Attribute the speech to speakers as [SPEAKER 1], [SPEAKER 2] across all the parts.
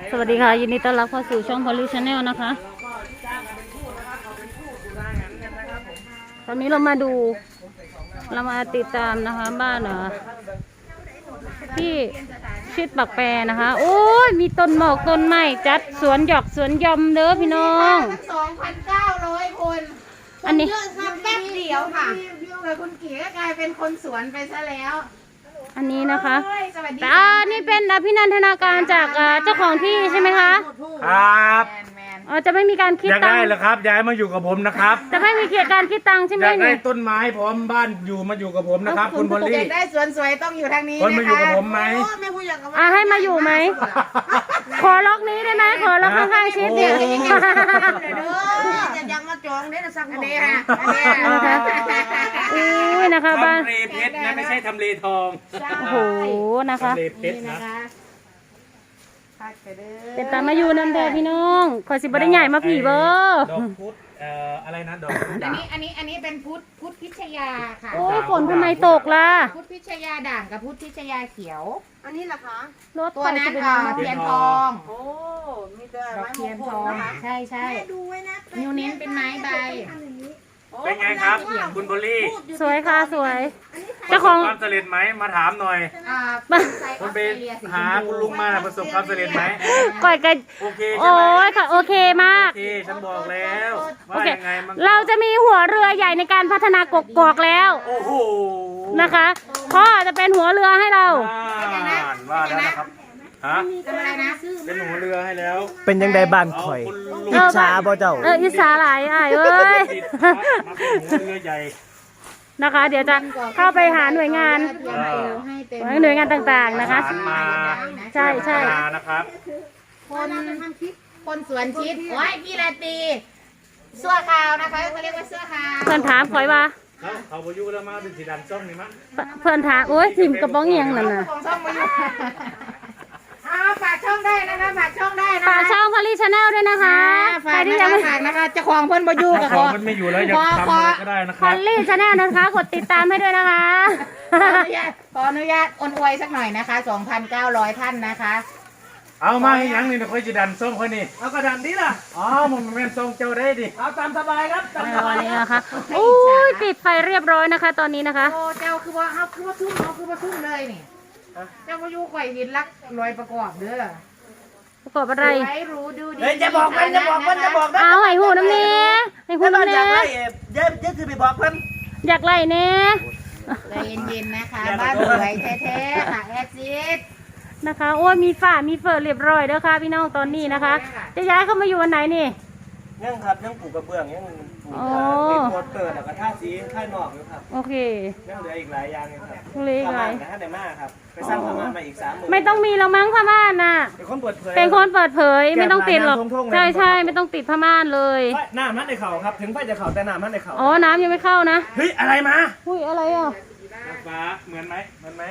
[SPEAKER 1] สวัสดีค่ะยินดีต้อนรับเข้าสู่ช่องพอลลี่ชาแนลนะคะตอนนี้เรามาติดตามนะคะบ้านที่ชิดปักแปรนะคะโอ้ยมีต้นหมอกต้นไม้จัดสวนหยอกสวนยอมเด้อพี่น้อง
[SPEAKER 2] 2,900 คน
[SPEAKER 1] อันนี้
[SPEAKER 2] แป๊บเดียวค่ะยุ่งกับคุณเก๋ก็กลายเป็นคนสวนไปซะแล้ว
[SPEAKER 1] อันนี้นะคะ
[SPEAKER 2] แต่
[SPEAKER 1] นี่เป็นอภินันทนาการจากเจ้าของที่ใช่ไหมคะ
[SPEAKER 3] ครับ
[SPEAKER 1] จะไม่มีการคิด
[SPEAKER 3] ตังค์อยากได้เหรอครับย้ายมาอยู่กับผมนะครับ
[SPEAKER 1] จะไม่มีการคิดตังค์ใช่ไหม
[SPEAKER 3] อยากได้ต้นไม้พร้อมบ้านมาอยู่กับผมนะครับคุณพอลลี่
[SPEAKER 2] อยากได้สวนสวยต้องอยู่ทางนี้
[SPEAKER 3] คนมาอยู่กับผมไหม
[SPEAKER 1] ให้มาอยู่ไหมขอล็อกนี้ได้ไหมขอล็อกข้างๆชิดเดียว
[SPEAKER 2] ยังมาจองได้นะสักอันนี้ค่ะ
[SPEAKER 1] อุ้ยนะคะบ้าน
[SPEAKER 3] ทำเลเพชรนะไม่ใช่ทำเลทอง
[SPEAKER 1] โอ้โหนะคะ
[SPEAKER 3] ทำเลเพชรนะ
[SPEAKER 1] เป็นตามาอยู่นั่นแหละพี่น้องขอสิบได้ใหญ่มาผีเบอร์
[SPEAKER 3] ดอกพุธอะไรนะดอกพุธ
[SPEAKER 2] อันนี้เป็นพุทธพิชยาค่ะ
[SPEAKER 1] โอ้ฝนทำไมตกล่ะ
[SPEAKER 2] พุทธพิชยาด่างกับพุทธพิชยาเขียวอันนี้ล่ะคะ
[SPEAKER 1] รถ
[SPEAKER 2] ตัวนั้นเทียนทองโอ้มีแต่ไม้เทียนทองใช่ดูไว้นะนิ้วเน้นเป็นไม้ใบ
[SPEAKER 3] เป็นไงครับคุณพอลลี่
[SPEAKER 1] สวยค่ะสวย
[SPEAKER 3] เจ้าของความสำเร็จไหมมาถามหน่อยคุณไปหาคุณลุงมาประสบความสำเร็จไหม
[SPEAKER 1] ก่อยกัน
[SPEAKER 3] โอเค
[SPEAKER 1] โอ้ยค่ะโอเคมาก
[SPEAKER 3] โอเคฉันบอกแล้วว่ายังไง
[SPEAKER 1] เราจะมีหัวเรือใหญ่ในการพัฒนากกอกแล้ว
[SPEAKER 3] โอ้โห
[SPEAKER 1] นะคะพ่อจะเป็นหัวเรือให้เรา
[SPEAKER 3] ว่าแล้วนะครับฮะเป็นหัวเรือให้แล้ว
[SPEAKER 4] เป็นยังไงบ้านข่อยอิจฉาบ่เจ้า
[SPEAKER 1] อิจฉาหลายเอ้ย
[SPEAKER 3] หัวเรือใหญ่
[SPEAKER 1] นะคะเดี๋ยวจะเข้าไปหาหน่วยงานต่างๆนะคะใช่
[SPEAKER 3] นะครับ
[SPEAKER 2] คนสวนชิดโอ้ยพี่ลาตีเสื้อขาวนะคะเขาเรียกว่าเสื้อขาว
[SPEAKER 1] เพื่อนถามข่อยว่า
[SPEAKER 3] เขาพยุแล้วมาเป็นสีดำส้มนี่มั้ง
[SPEAKER 1] เพื่อนถามโอ้ยทิมกระป๋องเอียงนั่นน่ะ
[SPEAKER 2] ฝากช่องได้นะคะฝากช่องได้นะ
[SPEAKER 1] ฝากช่องพอลลี่ชาแนลด้วยนะคะ
[SPEAKER 2] ใครที่ยังไม่ฝากนะคะเจ้าของเพื่อนบอยู่กับ
[SPEAKER 3] ของมันไม่อยู่แล้วยังทำอะไรก็ได้นะครับ
[SPEAKER 1] พอลลี่ชาแนลนะคะกดติดตามให้ด้วยนะคะ
[SPEAKER 2] ขออนุญาตอวยสักหน่อยนะคะ 2,900 ท่านนะคะ
[SPEAKER 3] เอามาให้ยังนี่นะค่อยจะดันส้มค่อยนี่เอากระดันดิล่ะอ๋อมันเป็นส้มเจ้าได้ดิเอาตามสบายครับตามสบาย
[SPEAKER 1] นะคะโอ้ยปิดไฟเรียบร้อยนะคะตอนนี้นะคะ
[SPEAKER 2] โอ้เจ้าคือว่าทุ่มเลยนี่เจ้าก็อยู่ไข่หินลักลอยประกอบเด้อ
[SPEAKER 1] ประกอบอะไร
[SPEAKER 2] รู้ดูดี
[SPEAKER 4] จะบอกมัน
[SPEAKER 1] เอาไอ้หูน้ำเนี้ยไอ้หูน้ำเนี้ย
[SPEAKER 4] เยอะคือไปบอกมัน
[SPEAKER 1] อยากไล่เนี้ย
[SPEAKER 2] ใจเย็นๆนะคะบ้านสวยแท้ๆค่ะแอดซิด
[SPEAKER 1] นะคะโอ้ยมีฝ้ามีเฟิร์เรียบร้อยเด้อค่ะพี่น้องตอนนี้นะคะจะย้ายเข้ามาอยู่วันไหนนี่
[SPEAKER 4] ยังครับยังปลูกกระเบื้องยังปลูกเป็นโคตรเติร์ดกับท่าสีท่านอกอยู่ครับ
[SPEAKER 1] โอเค
[SPEAKER 4] ยังเหลืออีกหลายอย่างครับ
[SPEAKER 1] เหลืออีกหลาย
[SPEAKER 4] ท่านไหนมากครับไปสร้างพม่านมาอีก30,000
[SPEAKER 1] ไม่ต้องมีแล้วมั้งพม่านน่ะ
[SPEAKER 4] เป็นคนเปิดเผย
[SPEAKER 1] ไม่ต้องติดหรอกใช่ไม่ต้องติดพม่านเลย
[SPEAKER 4] น้ำมันในเขาครับถึงไฟจะเขาแต่น้ำมันในเขา
[SPEAKER 1] อ๋อน้ำยังไม่เข้านะ
[SPEAKER 4] เฮ้ยอะไรมา
[SPEAKER 1] อุ้ยอะไรอ่ะ
[SPEAKER 3] ฟ้าเหมือนไหม
[SPEAKER 1] อะไร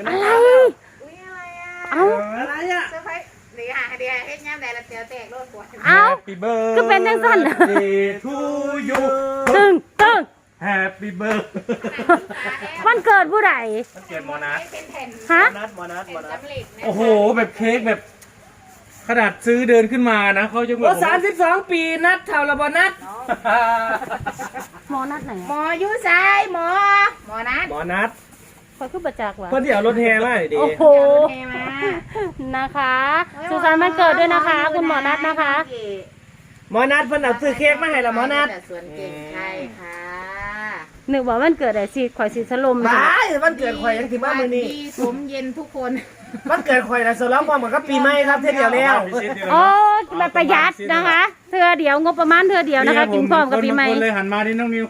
[SPEAKER 4] อะไรอ่ะ
[SPEAKER 2] เดี๋ยวเฮ็ดย่ำได้ละเตียวแตกโลดปวด
[SPEAKER 1] ก็เป็นจังสั่น
[SPEAKER 3] ทูยู
[SPEAKER 1] ตึง
[SPEAKER 3] Happy birthday
[SPEAKER 1] วันเกิดผู้ใด
[SPEAKER 3] วันเกิดหมอนัท
[SPEAKER 1] ฮะ
[SPEAKER 4] มอนัท
[SPEAKER 3] โอ้โหแบบเค้กแบบขนาดซื้อเดินขึ้นมานะเขาจะ
[SPEAKER 4] บอก32 ปีนัดเท่าระบนัด
[SPEAKER 1] หมอนัทไหน
[SPEAKER 2] หมออยู่ซ้ายหมอ
[SPEAKER 4] นัท
[SPEAKER 1] คอยขึ้นประจักษ์วะ
[SPEAKER 4] เพื่อนเดี๋ยวรถแห่มาดิ
[SPEAKER 1] โอ้โหนะคะสุขสันต์วันเกิดด้วยนะคะคุณหมอนัทนะคะ
[SPEAKER 4] หมอนัทเพิ่นเอาซื้อเค้กมาให้ละหมอนัท
[SPEAKER 2] ส่วนเก่งใช่ค่ะ
[SPEAKER 1] นึกว่าวันเกิดไอ้สิข่อยสิสลม
[SPEAKER 4] บ้าวันเกิดข่อยยังถึงบ้านมื้อนี้
[SPEAKER 2] สมเย็นทุกคน
[SPEAKER 4] วันเกิดข่อยน่ะสลองความเหมือนกับปีใหม่ครับเท่าเดียวแล้ว
[SPEAKER 1] โอ้แบบประหยัดนะคะเทื่อเดียวงบประมาณเทื่อเดียวนะคะกินพร้อมกับปีใหม่
[SPEAKER 3] เลยหันมาที่น้องนิว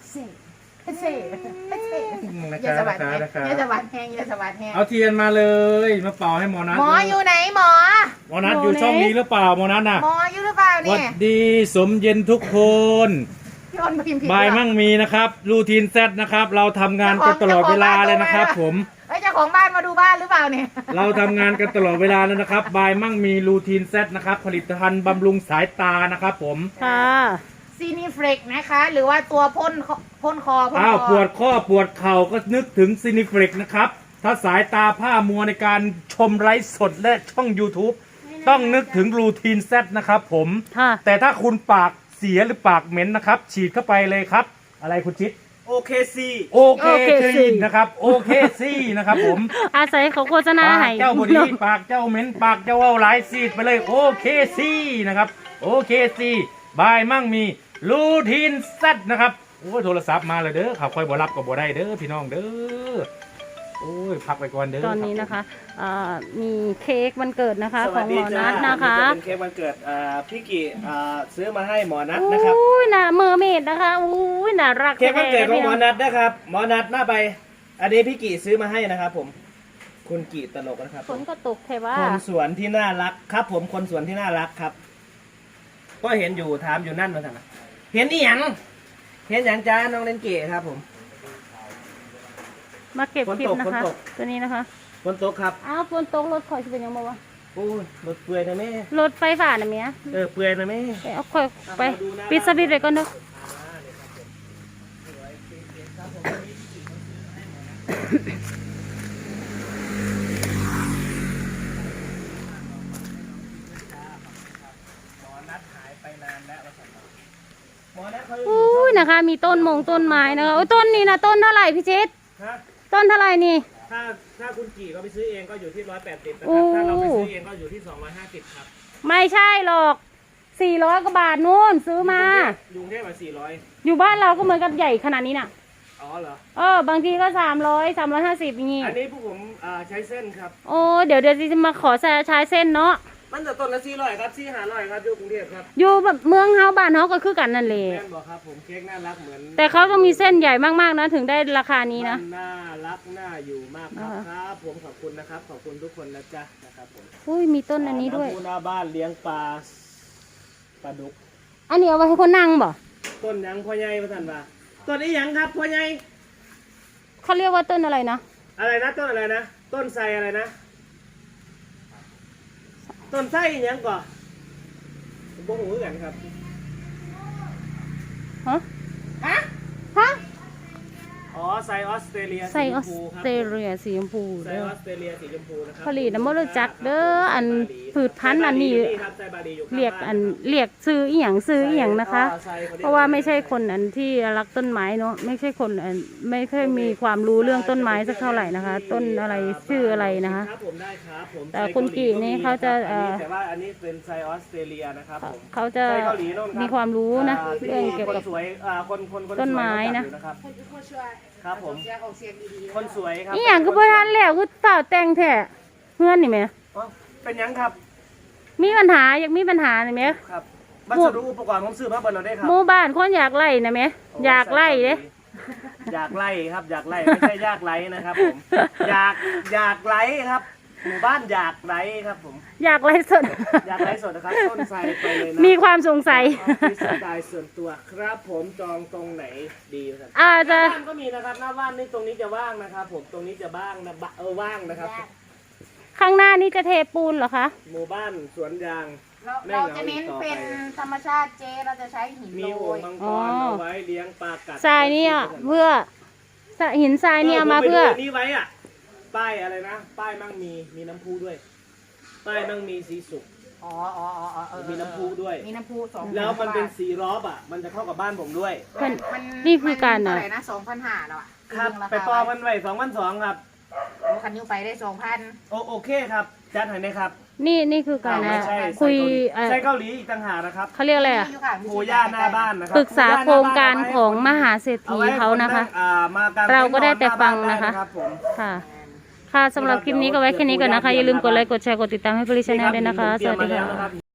[SPEAKER 2] อย่าสวัสดี
[SPEAKER 3] เอาเทียนมาเลยมาเป่าให้หมอนัท
[SPEAKER 2] หมออยู่ไหนหมอ
[SPEAKER 3] นัทอยู่ช่องนี้หรือเปล่าหมอนัทน่ะ
[SPEAKER 2] หมออยู่หรือเปล่าเนี่ย
[SPEAKER 3] สวัสดีสมเย็นทุกคนบายมั่งมีนะครับรูทีนเซตนะครับเราทำงานกันตลอดเวลาเลยนะครับผม
[SPEAKER 2] เจ้าของบ้านมาดูบ้านหรือเปล่าเนี่ย
[SPEAKER 3] เราทำงานกันตลอดเวลาแล้วนะครับบายมั่งมีรูทีนเซตนะครับผลิตภัณฑ์บำรุงสายตานะครับผม
[SPEAKER 1] ค่ะ
[SPEAKER 2] ซีนิเฟรกนะคะหรือว่าตัวพ่นคอ
[SPEAKER 3] ปวดข้อปวดเข่าก็นึกถึงซีนิเฟรกนะครับถ้าสายตาผ้ามัวในการชมไลฟ์สดและช่อง YouTube ต้องนึกถึงรูทีนแซดนะครับผม
[SPEAKER 1] ค่ะ
[SPEAKER 3] แต่ถ้าคุณปากเสียหรือปากเหม็นนะครับ ฉีดเข้าไปเลยครับ อะไรคุณชิด
[SPEAKER 4] โอเคซี
[SPEAKER 3] โอเคซีนะครับโอเคซีนะครับผม
[SPEAKER 1] อาศัยเขาโฆษณา
[SPEAKER 3] ปาก
[SPEAKER 1] ให้
[SPEAKER 3] เจ้าบดีปากเจ้าเหม็นปากเจ้าเอาหลายซีดไปเลยโอเคซีนะครับโอเคซีบายมั่งมีรูทีนแซดนะครับโอ้ยโทรศัพท์มาเลยเด้อข่าวคอยบ่รับก็บ่ได้เด้อพี่น้องเด้อโอ้ยพักไปก่อนเด้อ
[SPEAKER 1] ตอนนี้นะคะมีเค้กวันเกิดนะคะ
[SPEAKER 4] ส
[SPEAKER 1] ข
[SPEAKER 4] วั
[SPEAKER 1] อ
[SPEAKER 4] ส
[SPEAKER 1] งห
[SPEAKER 4] ดี
[SPEAKER 1] มอ
[SPEAKER 4] จ้า
[SPEAKER 1] นัทนะคะ
[SPEAKER 4] เป็นเค้กวันเกิดพี่กี่ซื้อมาให้หมอนัทนะครับ
[SPEAKER 1] อุ้ยน่ะเมอร์เมดนะคะอุ้ยน่ารัก
[SPEAKER 4] เค้กวันเกิดของหมอ
[SPEAKER 1] แท้
[SPEAKER 4] นัทนะครับหมอนัทหน้าไปอันนี้พี่กี่ซื้อมาให้นะครับผมคุณกี่ตลกนะครับ
[SPEAKER 1] ฝนก็ตกแค่ว่า
[SPEAKER 4] คนสวนที่น่ารักครับ ผมคนสวนที่น่ารักครับ ก็เห็นอยู่ถามอยู่นั่นมาสั่งเห็นอีหยังเห็นอย่างจ้าน้องเลนเกะครับผม
[SPEAKER 1] มาเก็บคลิปนะ
[SPEAKER 4] ฝน
[SPEAKER 1] คะ
[SPEAKER 4] ตก
[SPEAKER 1] ตัวนี้นะคะ
[SPEAKER 4] ฝนตกครับ
[SPEAKER 1] อ้าวฝนตกรถคอยจะเป็นยังไงวะ
[SPEAKER 4] โอ้ยรถเปื่อยนะแม่
[SPEAKER 1] รถไฟฟ้าน่ะเมีย
[SPEAKER 4] เปื่อยนะแม่
[SPEAKER 1] ไปเอาคอยไปปิดสวิตช์เลยก่อนเด้อ
[SPEAKER 4] หมอนัทหายไปนานแล้วหมอนัทเขา
[SPEAKER 1] อุ้ยนะคะ มีต้นมงต้นไม้นะคะโอ้ยต้นนี้นะต้นเท่าไหร่พี่ชิด
[SPEAKER 4] ฮะ
[SPEAKER 1] ต้นเท่าไหร่นี่
[SPEAKER 4] ถ้าคุณกี่เขาไปซื้อเองก็อยู่ที่180นะ
[SPEAKER 1] โอ้
[SPEAKER 4] ครับถ้าเราไปซื้อเองก็อยู่ที่250ครับ
[SPEAKER 1] ไม่ใช่หรอก400 กว่าบาทนู่นซื้อมา
[SPEAKER 4] ยุงเทพมา400
[SPEAKER 1] อยู่บ้านเราก็เหมือนกับใหญ่ขนาดนี้น่ะ
[SPEAKER 4] อ๋อเหรอ
[SPEAKER 1] บางทีก็300 350อย่างงี้
[SPEAKER 4] อันนี้พวกผมใช้เส้นครับ
[SPEAKER 1] โอ้เดี๋ยวจะมาขอใช้เส้นเนาะ
[SPEAKER 4] มันจะต้นละ400ครับ400ครับอยู่กรุงเทพครับ
[SPEAKER 1] อยู่แบบเมืองเฮาบ้านเฮาก็คือกันนั่นแหละ
[SPEAKER 4] แม่นบอกครับผมเค้กน่ารักเหมือน
[SPEAKER 1] แต่เขาต้องมีเส้นใหญ่มากๆนะถึงได้ราคานี้นะ
[SPEAKER 4] มัน่ารักน่าอยู่มากครับ
[SPEAKER 1] อ่า
[SPEAKER 4] ครับผมขอบคุณนะครับขอบคุณทุกคนนะจ๊ะนะครับผม
[SPEAKER 1] อุ้ยมีต้นอันนี้ด้วย
[SPEAKER 4] ำพุหน้าบ้านเลี้ยงปลาดุก
[SPEAKER 1] อันนี้เอาไว้ให้คนนั่งบ่
[SPEAKER 4] ต้นหยังพ่อใหญ่ประทันว่าต้นนี้หยังครับพ่อใหญ่
[SPEAKER 1] เขาเรียกว่าต้นอะไรนะ
[SPEAKER 4] อะไรนะต้นอะไรนะต้นไทรอะไรนะต้นไทรหยังก่อนผมบอกหูเหมือนกันครับ
[SPEAKER 1] ฮะ
[SPEAKER 4] ฮะ
[SPEAKER 1] ฮะ
[SPEAKER 4] อ๋อไซออสเตรเลีย
[SPEAKER 1] ใส่ออส
[SPEAKER 4] สีชมพูครับ
[SPEAKER 1] เตรเลียสีชมพู
[SPEAKER 4] ไซ
[SPEAKER 1] เด้
[SPEAKER 4] อ
[SPEAKER 1] อ
[SPEAKER 4] อสเตรเลียสีชมพูนะครับ
[SPEAKER 1] ผลิตน้ำมันรู้จักเด้ออันผืชพันธุ์อันนี้
[SPEAKER 4] ครับไซบาดีอยู่ข้าง
[SPEAKER 1] เรียก
[SPEAKER 4] บ้า
[SPEAKER 1] อันเรียกซื้ออีหยังซื้ออีหยังนะคะ
[SPEAKER 4] ไซข
[SPEAKER 1] เพราะว่าไม่ใช่คนอันที่รักต้นไม้เนาะไม่ใช่คนอันไม่ค่อยมีความรู้เรื่องต้นไม้สักเท่าไหร่นะคะ ต้นอะไรชื่ออะไรนะคะ
[SPEAKER 4] ครับผมได้ครับผม
[SPEAKER 1] แต่คุณกี่นี่เขาจะ
[SPEAKER 4] แต่ว่าอันนี้เป็นไซออสเตรเลียนะครับผม
[SPEAKER 1] เขาจะ
[SPEAKER 4] ไซเกาหลีโน่นครับ
[SPEAKER 1] มีความรู้นะ
[SPEAKER 4] ที่
[SPEAKER 1] เรื่องเกี่ยวกับ
[SPEAKER 4] คนสวยคนสวย
[SPEAKER 1] ต้นไม้นะ
[SPEAKER 4] รู้จักอยู่ครับผมคนสวยครับ
[SPEAKER 1] อีหยังก็บ่ทันแล้วคือสาวแต่งแท้เพื่อนนี่แหม
[SPEAKER 4] อ๋อเป็นหยังครับ
[SPEAKER 1] มีปัญหาอยากมีปัญหานี่แหม
[SPEAKER 4] ครับวัสดุอุปกรณ์ผมซื้อมาเบิร์เราได้ครั
[SPEAKER 1] หมู่บ้านคนอยากไล่นะแหมอยากไล่เด้
[SPEAKER 4] อยากไล่ครับอยากไล่ไม่ใช่ยากไล่นะครับผมอยากไล่ครับหมู่บ้านอยากไล่ครับผม
[SPEAKER 1] อยากไล่สด
[SPEAKER 4] อยากไล่สดนะครับต้นไทรไปเลยนะ
[SPEAKER 1] มีความสงสัย
[SPEAKER 4] ออฟฟิศสไตล์ส่วนตัวครับผมจองตรงไหนดีครับ
[SPEAKER 1] อาจ
[SPEAKER 4] ห
[SPEAKER 1] จะ
[SPEAKER 4] น้าบ้านก็มีนะครับหน้าบ้านนี่ตรงนี้จะว่างนะครับผมตรงนี้จะว่างนะว่างนะครับ
[SPEAKER 1] ข้างหน้านี่จะเทปูนเหรอคะ
[SPEAKER 4] หมู่บ้านสวนยาง
[SPEAKER 2] เราจะเน้นเป็นธรรมชาติเจเราจะใช้หิน
[SPEAKER 4] มี
[SPEAKER 2] โร
[SPEAKER 4] โอ่ง
[SPEAKER 2] ย
[SPEAKER 4] มังก
[SPEAKER 1] อ๋อ
[SPEAKER 4] รเอาไว้เลี้ยงปลากัด
[SPEAKER 1] ทรายเนี่ยเพื่อหินทรายเนี่ยมาเพื่อ
[SPEAKER 4] ผมไปดูนี่ไว้อะป้ายอะไรนะป้ายมั่งมีน้ำพุด้วย ป้ายมั่งมีสีสุก
[SPEAKER 2] อ๋อเ
[SPEAKER 4] มีน้ำพุด้วย
[SPEAKER 2] มีน้ำพุ2,000
[SPEAKER 4] แล้วมันเป็นสีรอบอ่ะ มันจะเข้ากับบ้านผมด้วย
[SPEAKER 1] เพิ่นนี่คือการ
[SPEAKER 2] เท่า
[SPEAKER 1] น่ะ
[SPEAKER 2] ไหร่นะ2,500แล้วอ่ะ
[SPEAKER 4] ครับ ไปปอมันไว้2,200ครับ
[SPEAKER 2] คันนิ้วไปได้2,000
[SPEAKER 4] โอเคครับจัดให้นะครับ
[SPEAKER 1] นี่คือการ
[SPEAKER 4] ไม่ใช่
[SPEAKER 1] คุย
[SPEAKER 4] ใช่เกาหลีอีกต่างหากนะครับ
[SPEAKER 1] เขาเรียกอะไรอ่ะ
[SPEAKER 4] โคย่าหน้าบ้านนะครั
[SPEAKER 1] ปรึกษาโครงการของมหาเศรษฐีเขานะคะ
[SPEAKER 4] มากาง
[SPEAKER 1] เราก็ได้แต่ฟังนะคะ
[SPEAKER 4] ได้รับผม
[SPEAKER 1] ค่ะ ค่ะสำหรับคลิปนี้ก็ไว้แค่นี้ก่อนนะคะ อย่าลืมกดไลค์ กดแชร์ กดติดตามให้พลิชแนลด้วยนะคะ สวัสดี
[SPEAKER 4] เตรียมมาแล้ว
[SPEAKER 1] ค่ะ
[SPEAKER 4] นะครับ